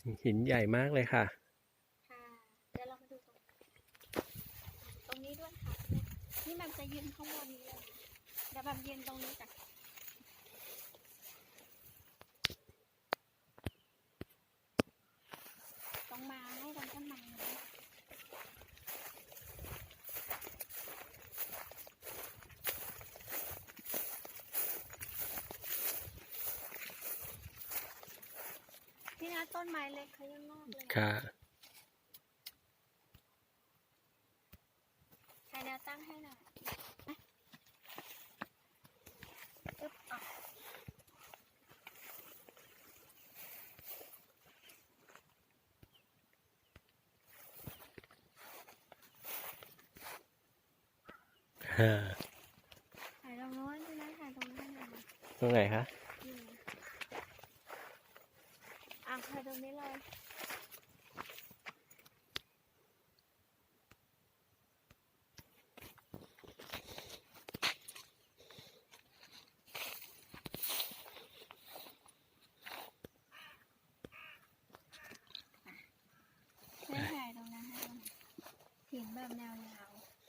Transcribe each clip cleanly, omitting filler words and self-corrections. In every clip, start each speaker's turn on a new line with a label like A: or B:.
A: หินใหญ่มากเลยค่ะ
B: ค่ะเดี๋ยวเรามาดูตรงนี้ด้วยค่ะนี่มันจะยืนข้างบนนี้เลยเดี๋ยวแบบยืนตรงนี้จ้ะตรงไม้ตรงต้นไม้พี่นัทต้นไม้เล็กเขายังงอกเลย
A: ค่ะ
B: ใช้แนวตั้งให้หน่อยอึ๊บออกถ่ายตรงโน้นพี่นัทถ่ายตรงนี้หน่อย
A: ตรงไหนคะ
B: ถ่ายตรงนี้เลยไม่ถ่ายตรงนั้นให้เห็นแบบแนวยาว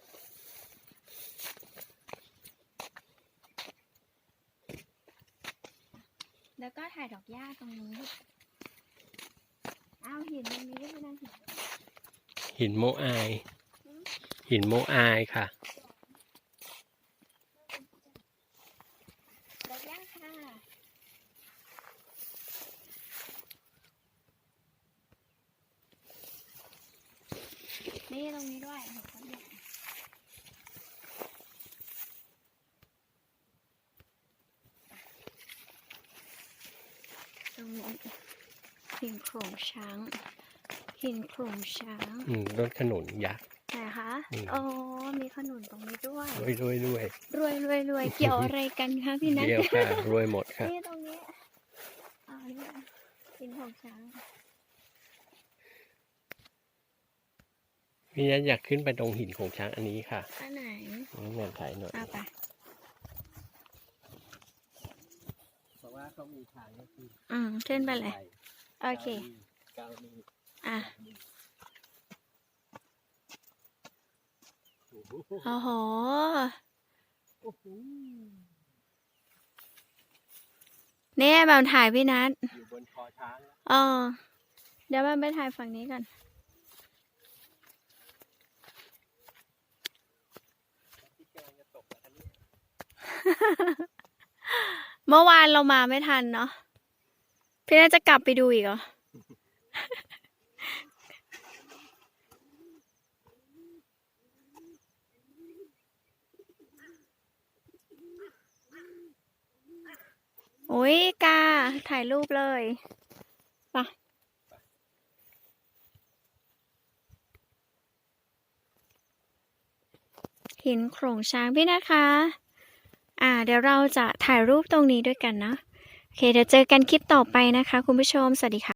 B: แล้วก็ถ่ายดอกหญ้าตรงนี้เอาหินตรงนี้ด้วยนะ
A: หินโมอายหินโมอายค่ะ
B: ดอกหญ้าค่ะนี่ตรงนี้ด้วยเห็นต้นใหญ่ตรงนี้หินโขลงช้างหินโขลงช้าง
A: รถขนุนยักษ์
B: ไหนคะโอ้มีขนุนตรงนี้ด้วย
A: รวยรวย
B: เกี่ยวอะไรกันคะพี่นัท
A: เดียวค่ะรวยหมดค่ะ
B: นี่ตรงนี้นี่หินโขลงช้าง
A: พี่นัทอยากขึ้นไปตรงหินของช้างอันนี้ค่ะ
B: อันไหน
A: งานถ่ายหน่อย
B: ไป
A: เพราะว่าเขามีทางก็คือ
B: ขึ้นไปเลยโอเคโอ้โหเนี่ยแบบถ่ายพี่นัท
A: อยู่บนคอช้าง
B: เดี๋ยวแบบไปถ่ายฝั่งนี้กันเมื่อวานเรามาไม่ทันเนาะพี่น่าจะกลับไปดูอีกเหรอโอ้ยกาถ่ายรูปเลยไปหินโขลงช้างพี่นะคะเดี๋ยวเราจะถ่ายรูปตรงนี้ด้วยกันนะโอเคเดี๋ยวเจอกันคลิปต่อไปนะคะคุณผู้ชมสวัสดีค่ะ